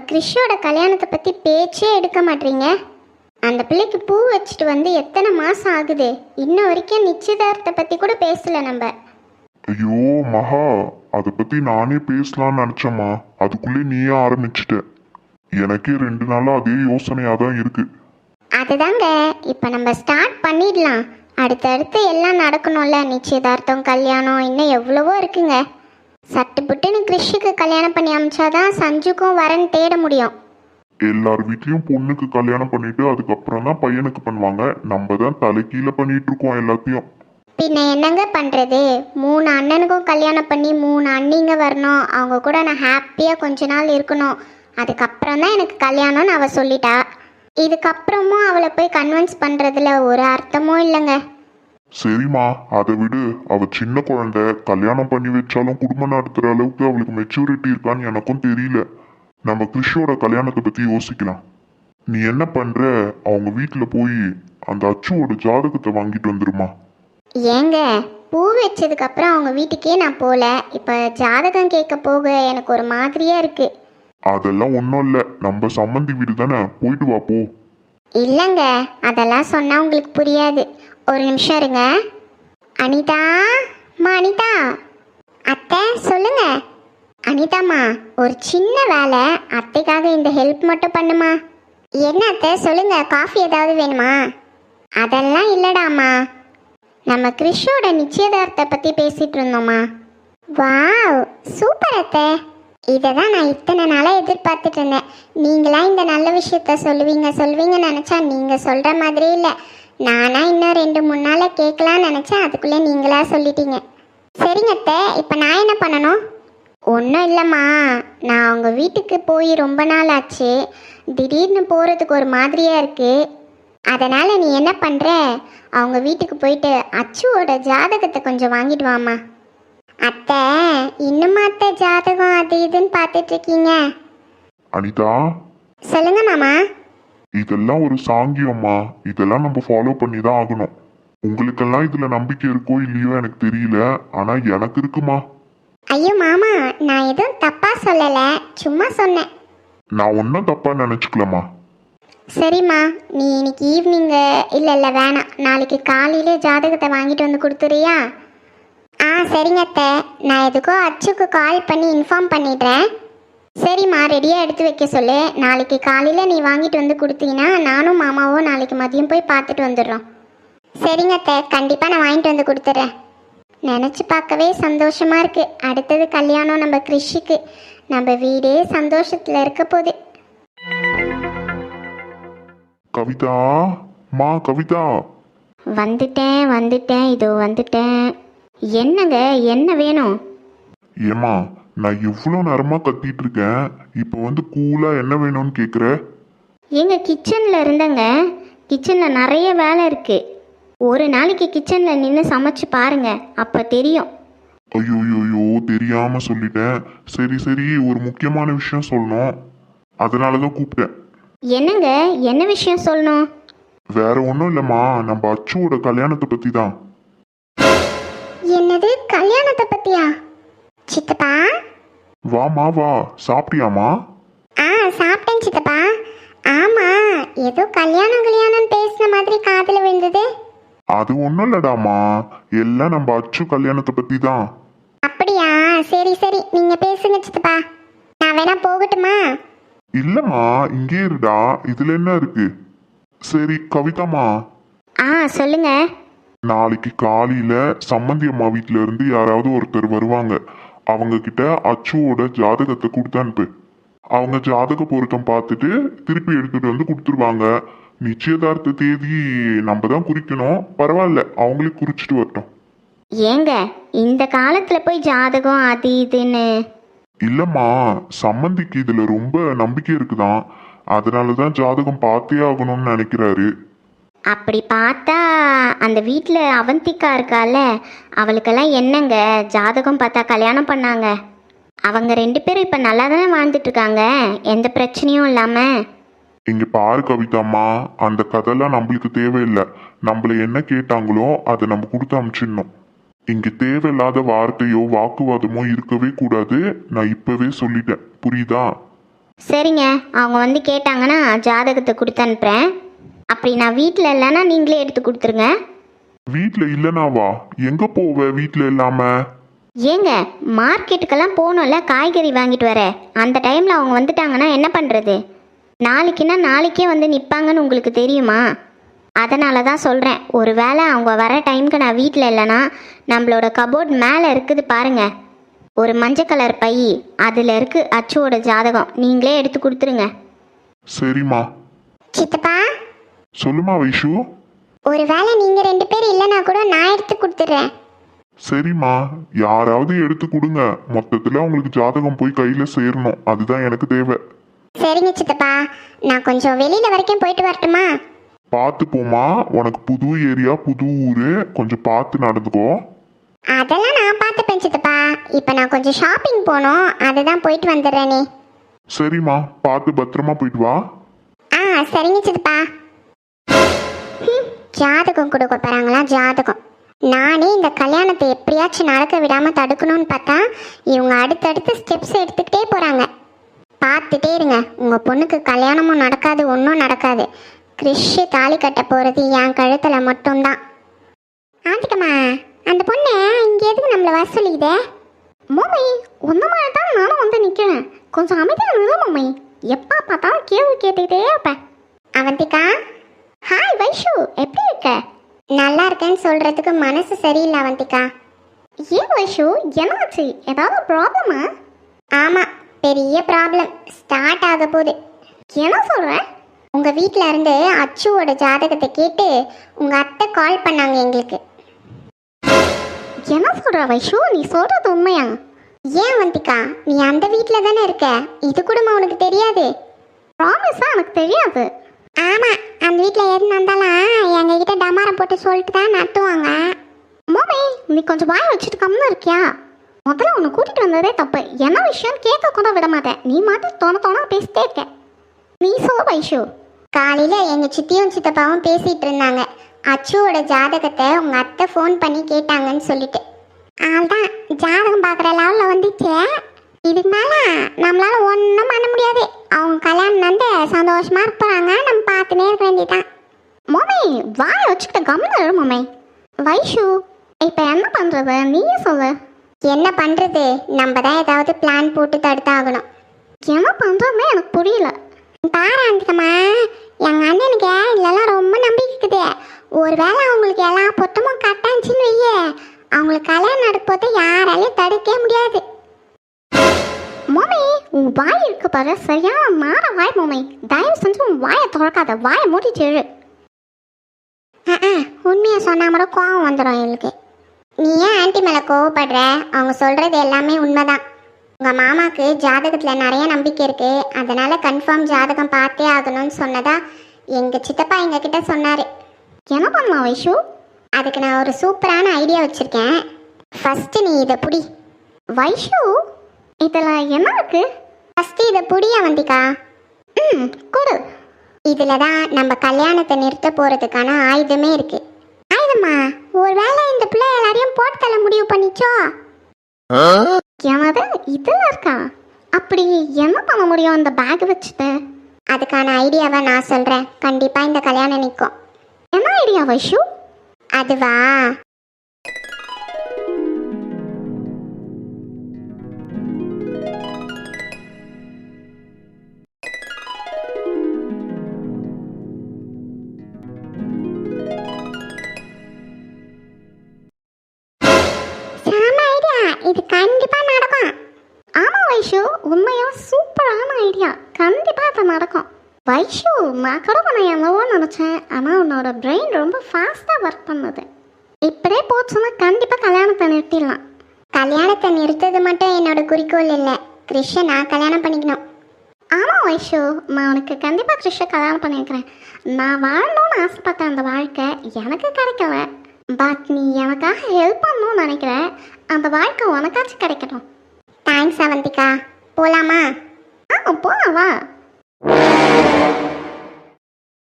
கிறிஷோட கல்யாணத்தை பற்றி பேச்சே எடுக்க மாட்டீங்க. அந்த பிள்ளைக்கு பூ வச்சுட்டு வந்து எத்தனை மாதம் ஆகுது, இன்ன வரைக்கும் நிச்சயதார்த்தத்தை பற்றி கூட பேசல நம்ம. ஐயோ மகா, அதை பத்தி நானே பேசலாம்னு நினைச்சேம்மா, அதுக்குள்ளே நீயே ஆரம்பிச்சிட்ட. எனக்கே 2 நாளா அதே யோசனையா தான் இருக்கு. அதுதாங்க இப்போ நம்ம ஸ்டார்ட் பண்ணிடலாம். அடுத்தடுத்து எல்லாம் நடக்கணும்ல, நிச்சயதார்த்தம் கல்யாணம் இன்னும் எவ்வளவோ இருக்குங்க. சட்டு புட்டுன்னு கிறிஷுக்கு கல்யாணம் பண்ணி அமிச்சாதான் சஞ்சுக்கும் வரன் தேட முடியும். எல்லார் வீட்லயும் பொண்ணுக்கு கல்யாணம் பண்ணிட்டு அதுக்கப்புறம் தான் பையனுக்கு பண்ணுவாங்க. நம்ம தான் தலைக்கீழ பண்ணிட்டு இருக்கோம் எல்லாத்தையும். பின்ன என்னங்க பண்ணுறது, 3 அண்ணனுக்கும் கல்யாணம் பண்ணி 3 அண்ணிங்க வரணும், அவங்க கூட நான் ஹாப்பியாக கொஞ்ச நாள் இருக்கணும், அதுக்கப்புறம் தான் எனக்கு கல்யாணம்னு அவள் சொல்லிட்டா. இதுக்கப்புறமும் அவளை போய் கன்வின்ஸ் பண்ணுறதுல ஒரு அர்த்தமும் இல்லைங்க. சரிம்மா, அதை விடு. அவ சின்ன குழந்தை, கல்யாணம் பண்ணி வச்சாலும் குடும்பம் நடத்துற அளவுக்கு அவளுக்கு மெச்சூரிட்டி இருக்கான்னு எனக்கும் தெரியல. நம்ம கிறிஷோட கல்யாணத்தை பத்தி யோசிக்கலாம். நீ என்ன பண்ற, அவங்க வீட்டுல போய் அந்த அச்சுவோட ஜாதகத்தை வாங்கிட்டு வந்துருமா. ஏங்க, பூ வச்சதுக்கப்புறம் அவங்க வீட்டுக்கே நான் போகல, இப்போ ஜாதகம் கேட்க போக எனக்கு ஒரு மாதிரியாக இருக்குது. அதெல்லாம் ஒன்றும் இல்லை, நம்ம சம்மந்தி வீடு தானே, போயிட்டு வா போ. இல்லைங்க, அதெல்லாம் சொன்னால் உங்களுக்கு புரியாது. ஒரு நிமிஷம் இருங்க. அனிதா, அனிதா. அத்தை சொல்லுங்க. அனிதாம்மா, ஒரு சின்ன வேலை, அத்தைக்காக இந்த ஹெல்ப் மட்டும் பண்ணுமா. என்ன அத்தை சொல்லுங்க, காஃபி ஏதாவது வேணுமா? அதெல்லாம் இல்லடாம்மா, நம்ம கிறிஷோட நிச்சயதார்த்தத்தை பற்றி பேசிகிட்டு இருந்தோம்மா. வாவ், சூப்பர் அத்தை. இதை தான் நான் இத்தனை நாளாக எதிர்பார்த்துட்டு இருந்தேன். நீங்களாம் இந்த நல்ல விஷயத்த சொல்லுவீங்கன்னு நினச்சா நீங்கள் சொல்கிற மாதிரியே இல்லை. நானா இன்னும் 2-3 நாளில் கேட்கலான்னு நினச்சேன், அதுக்குள்ளே நீங்களா சொல்லிட்டீங்க. சரிங்க அத்தை, இப்போ நான் என்ன பண்ணணும்? ஒன்றும் இல்லைம்மா, நான் அவங்க வீட்டுக்கு போய் ரொம்ப நாள் ஆச்சு, திடீர்னு போகிறதுக்கு ஒரு மாதிரியாக இருக்குது. அதனால் நீ என்ன பண்ணுற, அவங்க வீட்டுக்கு போயிட்டு அச்சுவோட ஜாதகத்தை கொஞ்சம் வாங்கிட்டு வாம்மா. அத்தை, இன்னுமா அத்தை ஜாதகம் அது இதுன்னு பார்த்துட்டு இருக்கீங்க? அனிதா, சொல்லுங்க மாமா. இதெல்லாம் ஒரு சாங்கியம்மா, இதெல்லாம் நம்ம ஃபாலோ பண்ணி தான் ஆகணும். உங்களுக்கெல்லாம் இதுல நம்பிக்கை இருக்கோ இல்லையோ எனக்கு தெரியல, ஆனா எனக்கு இருக்குமா. ஐயோ மாமா, நான் எதுவும் தப்பா சொல்லலை, சும்மா சொன்னேன். நான் ஒன்றும் தப்பா நினைச்சுக்கலம்மா. சரிம்மா, நீ இன்னைக்கு ஈவினிங்கு இல்லை வேணாம், நாளைக்கு காலையிலே ஜாதகத்தை வாங்கிட்டு வந்து கொடுத்துறியா? சரிங்க அத்தை, நான் எதுக்கோ அச்சுக்கு கால் பண்ணி இன்ஃபார்ம் பண்ணிடுறேன். சரிம்மா, ரெடியாக எடுத்து வைக்க சொல்லு. நாளைக்கு காலையில் நீ வாங்கிட்டு வந்து கொடுத்தீங்கன்னா நானும் மாமாவும் நாளைக்கு மதியம் போய் பார்த்துட்டு வந்துடுறோம். சரிங்க அத்தை, கண்டிப்பாக நான் வாங்கிட்டு வந்து கொடுத்துட்றேன். நினச்சி பார்க்கவே சந்தோஷமாக இருக்குது. அடுத்தது கல்யாணம் நம்ம கிறிஷுக்கு, நம்ம வீடே சந்தோஷத்தில் இருக்க போகுது. கவிதா, கவிதா. வந்துட்டேன், இதோ வந்துட்டேன். என்னங்க, என்ன வேணும்? ஏமா, நான் இவ்வளோ நேரமா கத்திட்டு இருக்கேன், இப்போ வந்து கூலா என்ன வேணும்னு கேட்குற? எங்க கிச்சனில் இருந்தங்க, கிச்சனில் நிறைய வேலை இருக்கு. ஒரு நாளைக்கு கிச்சனில் நின்று சமைச்சு பாருங்க, அப்போ தெரியும். ஐயோ, தெரியாம சொல்லிட்டேன். சரி, ஒரு முக்கியமான விஷயம் சொல்லணும், அதனால தான் கூப்பிட்டேன். என்னங்க, என்ன விஷயம் சொல்லணும்? வேற ஒன்றும் இல்லைம்மா, நம்ம அச்சுவோட கல்யாணத்தை பற்றி தான். என்னது, கல்யாணத்தை பத்தியா? சித்தப்பா. வாமா வா, சாப்பிட்டியாமா? சாப்பிட்டேன் சித்தப்பா. ஆமா, ஏதோ கல்யாணம் பேசின மாதிரி காதுல விழுந்தது. அது ஒன்றும் இல்லடாமா, எல்லாம் நம்ம அச்சு கல்யாணத்தை பற்றி தான். அப்படியா? சரி, நீங்க பேசுங்க சித்தப்பா, நான் வேணா போகட்டுமா? இல்லம்மா, இங்கே இருடா, இதுல என்ன இருக்கு. சரி கவிதாமா, சொல்லுங்க. நாளைக்கு காலையில சம்மந்தி அம்மா வீட்டுல இருந்து யாராவது ஒருத்தர் வருவாங்க. அவங்க கிட்ட அச்சுவோட ஜாதகத்தை கொடுத்து அனுப்பு. அவங்க ஜாதக பொருத்தம் பார்த்துட்டு திருப்பி எடுத்துட்டு வந்து கொடுத்துருவாங்க. நிச்சயதார்த்த தேதி நம்ம தான் குறிக்கணும், பரவாயில்ல, அவங்களே குறிச்சிட்டு வரட்டும். ஏங்க, இந்த காலத்துல போய் ஜாதகம் அது இதுன்னு? இல்லம்மா, சம்மந்திக்கு இதுல ரொம்ப நம்பிக்கை இருக்குதான், அதனாலதான் ஜாதகம் பார்த்தே ஆகணும்னு நினைக்கிறாரு. அப்படி பார்த்தா அந்த வீட்டில் அவந்திக்கா இருக்கால, அவளுக்கெல்லாம் என்னங்க ஜாதகம் பார்த்தா கல்யாணம் பண்ணாங்க. அவங்க 2 பேரும் இப்போ நல்லா தானே வாழ்ந்துட்டு இருக்காங்க, எந்த பிரச்சனையும் இல்லாமல். இங்க பாரு கவிதாம்மா, அந்த கதைலாம் நம்மளுக்கு தேவையில்லை. நம்மள என்ன கேட்டாங்களோ அதை நம்ம கொடுத்து அனுப்பிச்சிடணும். இங்க தேவையில்லாத வார்த்தையோ வாக்குவாதமோ இருக்கவே கூடாது. நான் இப்பவே சொல்லிட்டேன், புரியுதா? சரிங்க, அவங்க வந்து கேட்டாங்கன்னா ஜாதகத்தை கொடுத்து அனுப்புகிறேன். அப்படி நான் வீட்டில் இல்லைன்னா நீங்களே எடுத்து கொடுத்துருங்க. வீட்டில் இல்லைனாவா? எங்கே போவ வீட்டில் இல்லாம? ஏங்க, மார்க்கெட்டுக்கெல்லாம் போகணும்ல, காய்கறி வாங்கிட்டு வர. அந்த டைமில் அவங்க வந்துட்டாங்கன்னா என்ன பண்ணுறது? நாளைக்குன்னா நாளைக்கே வந்து நிற்பாங்கன்னு உங்களுக்கு தெரியுமா? அதனால தான் சொல்கிறேன். ஒரு வேளை அவங்க வர டைமுக்கு நான் வீட்டில் இல்லைன்னா நம்மளோட கபோர்ட் மேலே இருக்குது பாருங்க, ஒரு மஞ்சள் கலர் பை, அதில் இருக்கு அச்சுவோட ஜாதகம். நீங்களே எடுத்து கொடுத்துருங்க. சரிம்மா. சித்தப்பா, சொல்லுமா வைஷு. ஒரு வேளை நீங்கள் 2 பேர் இல்லைன்னா கூட நான் எடுத்து கொடுத்துட்றேன். சரிம்மா, யாராவது எடுத்து கொடுங்க. மொத்தத்தில் உங்களுக்கு ஜாதகம் போய் கையில் சேரணும், அதுதான் எனக்கு தேவை. சரிங்க சித்தப்பா, நான் கொஞ்சம் வெளியில் வரைக்கும் போயிட்டு வரட்டுமா? பார்த்து போமா, உனக்கு புது ஏரியா புது ஊர், கொஞ்சம் பார்த்து நடந்துக்கோ. அதெல்லாம் நான் பார்த்துப்பேன் சித்தப்பா. இப்போ நான் கொஞ்சம் ஷாப்பிங் போகணும், அதுதான் போயிட்டு வந்துடுறேனே. சரிம்மா, பார்த்து பத்திரமா போயிட்டு வா. சரிங்க சித்தப்பா. ஜாதகம் கொடுக்க போகிறாங்களா? ஜாதகம். நானே இந்த கல்யாணத்தை எப்படியாச்சும் நடக்க விடாமல் தடுக்கணும்னு பார்த்தா இவங்க அடுத்தடுத்து ஸ்டெப்ஸ் எடுத்துக்கிட்டே போகிறாங்க. பார்த்துட்டே இருங்க, உங்கள் பொண்ணுக்கு கல்யாணமும் நடக்காது, ஒன்றும் நடக்காது. கிறிஷ் தாலி கட்ட போகிறது என் கழுத்தில் மட்டும்தான். ஆதிக்கம்மா, அந்த பொண்ணை இங்கே எதுக்கு நம்மளை வர சொல்லிக்குதே? மோமை, ஒன்று மாதிரி தான் நானும் வந்து நிற்கிறேன். கொஞ்சம் அமைதியாக நிலை மோமை. எப்போ பார்த்தாலும் கேள்வி கேட்டுக்கிட்டே இருப்பேன். அவந்திகா, ஹாய் வைஷு, எப்படி இருக்க? நல்லா இருக்கேன்னு சொல்கிறதுக்கு மனசு சரியில்லை அவந்திகா. ஏன் வைஷு, என்னாச்சு? ஏதாவது ப்ராப்ளமா? ஆமாம், பெரிய ப்ராப்ளம் ஸ்டார்ட் ஆக போகுது. என்ன சொல்கிறேன்? உங்கள் வீட்டில் இருந்து அச்சுவோட ஜாதகத்தை கேட்டு உங்கள் அத்தை கால் பண்ணாங்க எங்களுக்கு. என்ன சொல்கிற வைஷு, நீ சொல்கிறது உண்மையா? ஏன் வந்திக்கா, நீ அந்த வீட்டில் தானே இருக்க, இது கூட உனக்கு தெரியாது? ப்ராமிஸாக எனக்கு தெரியாது. ஆமாம், அந்த வீட்டில் எது நடந்தாலும் எங்ககிட்ட டமாரம் போட்டு சொல்லிட்டு தான் நடத்துவாங்க. மோமி, நீ கொஞ்சம் வாய் வச்சுட்டு கம்முன்னு இருக்கியா? முதல்ல உன்னை கூட்டிகிட்டு வந்ததே தப்பு. என்ன விஷயம் கேட்க கூட விட மாட்டேன். நீ மட்டும் தோண பேசிட்டே இருக்க. நீ சொல்ல வைஷு. காலையில் எங்கள் சித்தியும் சித்தப்பாவும் பேசிகிட்டு இருந்தாங்க. அச்சுவோட ஜாதகத்தை உங்கள் அத்தை ஃபோன் பண்ணி கேட்டாங்கன்னு சொல்லிட்டு. அதுதான் ஜாதகம் பார்க்குற லெவலில் வந்துச்சு. இதுக்கு மேலே நம்மளால் ஒன்றும் பண்ண முடியாது. அவங்க கல்யாணம் வந்து சந்தோஷமாக இருப்பாங்க, நம்ம பார்த்துனே இருக்க வேண்டியதான். மோமை, வாயை வச்சுக்கிட்ட கம்முன்னு மோமை. வைஷு, இப்போ என்ன பண்ணுறது நீயே சொல்லு. என்ன பண்ணுறது, நம்ம தான் ஏதாவது பிளான் போட்டு தடுத்தாகணும். என்ன பண்ணுறதுமே எனக்கு புரியல. பாராந்திக்கம்மா, எங்கள் அண்ணனுக்கு இதெல்லாம் ரொம்ப நம்பிக்கை இருக்குது. ஒரு வேளை அவங்களுக்கு எல்லா பொட்டமும் கட்டாச்சுன்னு வையே, அவங்களுக்கு கல்யாணம் நடக்கும்போது யாராலையும் தடுக்கவே முடியாது. மோமி, உன் வாய் இருக்கு பாரு, சரியான மாற வாய் மோமி. தயவு செஞ்சு உன் வாயை திறக்காத, வாயை மூடிட்டு எழு. உண்மையை சொன்னா கூட கோவம் வந்துடும் எங்களுக்கு. நீ ஏன் ஆன்ட்டி மேலே கோவப்படுற? அவங்க சொல்கிறது எல்லாமே உண்மைதான். உங்கள் மாமாவுக்கு ஜாதகத்தில் நிறைய நம்பிக்கை இருக்குது, அதனால் கன்ஃபார்ம் ஜாதகம் பார்த்தே ஆகணும்னு சொன்னதா எங்கள் சித்தப்பா எங்ககிட்ட சொன்னார். என்ன பண்ணலாம் வைஷு? அதுக்கு நான் ஒரு சூப்பரான ஐடியா வச்சுருக்கேன். ஃபஸ்ட்டு நீ இதை புடி. வைஷு, இதில் என்ன இருக்கு? ஃபஸ்ட்டு இதை புடியா வந்திக்கா. கொடு. இதில் தான் நம்ம கல்யாணத்தை நிறுத்த போகிறதுக்கான ஆயுதமே இருக்குது. ஆயுதமா? ஒரு வேளை இந்த பிள்ளை எல்லாரையும் போட்டு தள்ள முடிவு பண்ணிச்சோ? என்னது இதில் இருக்கா? அப்படி என்ன பண்ண முடியும் அந்த பேக் வச்சுட்டு? அதுக்கான ஐடியாவை நான் சொல்கிறேன். கண்டிப்பாக இந்த கல்யாணம் நிற்கும். என்ன ஐடியா வைஷு? அதுவா, இது கண்டிப்பா நடக்கும். ஆமா வைஷு, உண்மையா சூப்பரான ஐடியா. கண்டிப்பா அது நடக்கும். வைஷு, நான் கூட உன்னை என்னவோ நினைச்சேன், ஆனா உன்னோட பிரெயின் ரொம்ப ஃபாஸ்டா ஒர்க் பண்ணுது. இப்படியே போச்சுன்னா கண்டிப்பா கல்யாணத்தை நிறுத்திடலாம். கல்யாணத்தை நிறுத்தது மட்டும் என்னோட குறிக்கோள் இல்லை, கிறிஷை நான் கல்யாணம் பண்ணிக்கணும். ஆமா வைஷு, நான் உனக்கு கண்டிப்பா கிறிஷை கல்யாணம் பண்ணிக்கிறேன். நான் வாழணும்னு ஆசைப்பட்ட அந்த வாழ்க்கை எனக்கு கிடைக்கல. பட் நீ எனக்காக ஹெல்ப் பண்ணணும்னு நினைக்கிறேன். அந்த வாழ்க்கை உனக்காச்சும் கிடைக்கணும். தேங்க்ஸ் அவந்திகா. போகலாமா? போகலாம் வா.